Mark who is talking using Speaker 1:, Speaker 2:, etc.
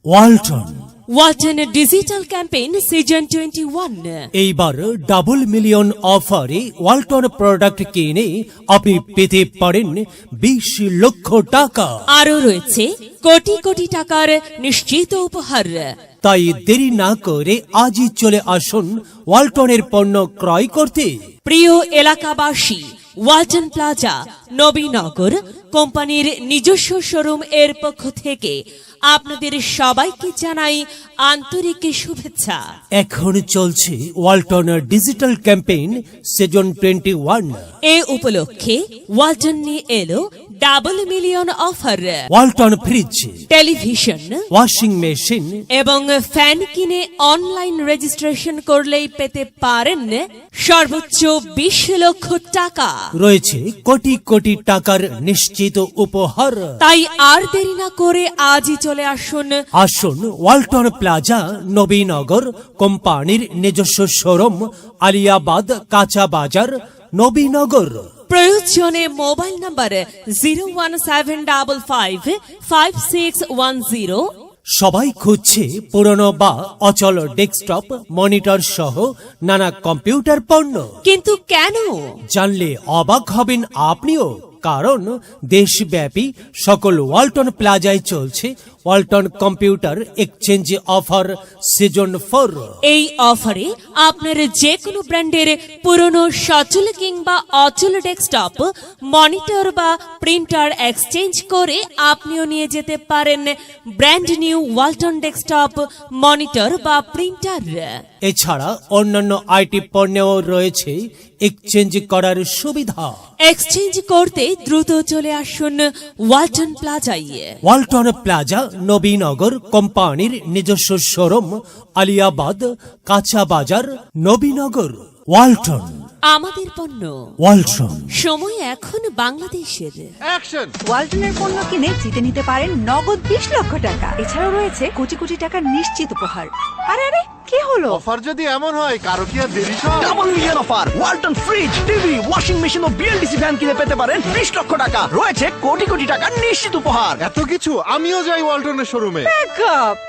Speaker 1: Walton digital campaign season 21।
Speaker 2: এইবার double million অফারে Walton product কিনে আপনি পেতে পারেন 20 লক্ষ টাকা।
Speaker 1: আরও রয়েছে কোটি কোটি টাকার নিশ্চিত উপহার।
Speaker 2: তাই দেরি না করে আজই চলে আসুন ওয়ালটনের পণ্য ক্রয় করতে।
Speaker 1: প্রিয় এলাকাবাসী, ওয়ালটন প্লাজা নবীনগর কোম্পানির নিজস্ব শোরুম এর পক্ষ থেকে আপনাদের সবাইকে জানাই আন্তরিক শুভেচ্ছা।
Speaker 2: এখন চলছে ওয়ালটন ডিজিটাল ক্যাম্পেইন সিজন 21।
Speaker 1: এ উপলক্ষে ওয়ালটন নিয়ে এলো double million offer.
Speaker 2: Walton fridge,
Speaker 1: television,
Speaker 2: washing machine
Speaker 1: এবং ফ্যান কিনে অনলাইন রেজিস্ট্রেশন করলেই পেতে পারেন সর্বোচ্চ 20 লক্ষ টাকা।
Speaker 2: রয়েছে কোটি কোটি টাকার নিশ্চিত উপহার।
Speaker 1: তাই আর দেরি না করে আজই চলে
Speaker 2: আসুন ওয়ালটন প্লাজা নবীনগর কোম্পানির নিজস্ব শোরুম, আলিয়াবাদ, কাঁচা বাজার, নবীনগর।
Speaker 1: প্রয়োজনে মোবাইল নাম্বার 017555610।
Speaker 2: সবাই খুঁজছে পুরনো বা অচল ডেস্কটপ, মনিটর সহ নানা কম্পিউটার পণ্য,
Speaker 1: কিন্তু কেন
Speaker 2: জানলে অবাক হবেন আপনিও। কারণ দেশব্যাপী সকল ওয়ালটন প্লাজায় চলছে Walton computer exchange offer season 4।
Speaker 1: এই অফারে আপনার যে কোনো ব্র্যান্ডের পুরনো সচল কিংবা অচল ডেস্কটপ, মনিটর বা প্রিন্টার এক্সচেঞ্জ করে আপনিও নিয়ে যেতে পারেন brand new Walton desktop, monitor বা প্রিন্টার।
Speaker 2: এছাড়া অন্যান্য আইটি পণ্যেও রয়েছে এক্সচেঞ্জ করার সুবিধা।
Speaker 1: এক্সচেঞ্জ করতে দ্রুত চলে আসুন ওয়ালটন প্লাজায়।
Speaker 2: ওয়ালটন প্লাজা নবীনগর কোম্পানির নিজস্ব শোরুম, আলিয়াবাদ, কাঁচা বাজার, নবীনগর। ওয়ালটন,
Speaker 1: আমাদের পণ্য
Speaker 2: ওয়ালটন।
Speaker 1: সময় এখন বাংলাদেশের।
Speaker 3: ওয়ালটনের পণ্য কিনে জিতে নিতে পারেন নগদ 20 লক্ষ টাকা। এছাড়াও রয়েছে কোটি কোটি টাকার নিশ্চিত উপহার। আরে আরে কি হলো?
Speaker 4: অফার যদি এমন হয় কারো কি আর দেরি সব?
Speaker 5: Double million offer! Walton fridge, TV, washing machine ও বিএলডিসি ফ্যান কিনে পেতে পারেন 20 লক্ষ টাকা। রয়েছে কোটি কোটি টাকার নিশ্চিত উপহার।
Speaker 4: এত কিছু? আমিও যাই ওয়ালটনের শোরুমে।
Speaker 3: ব্যাকআপ!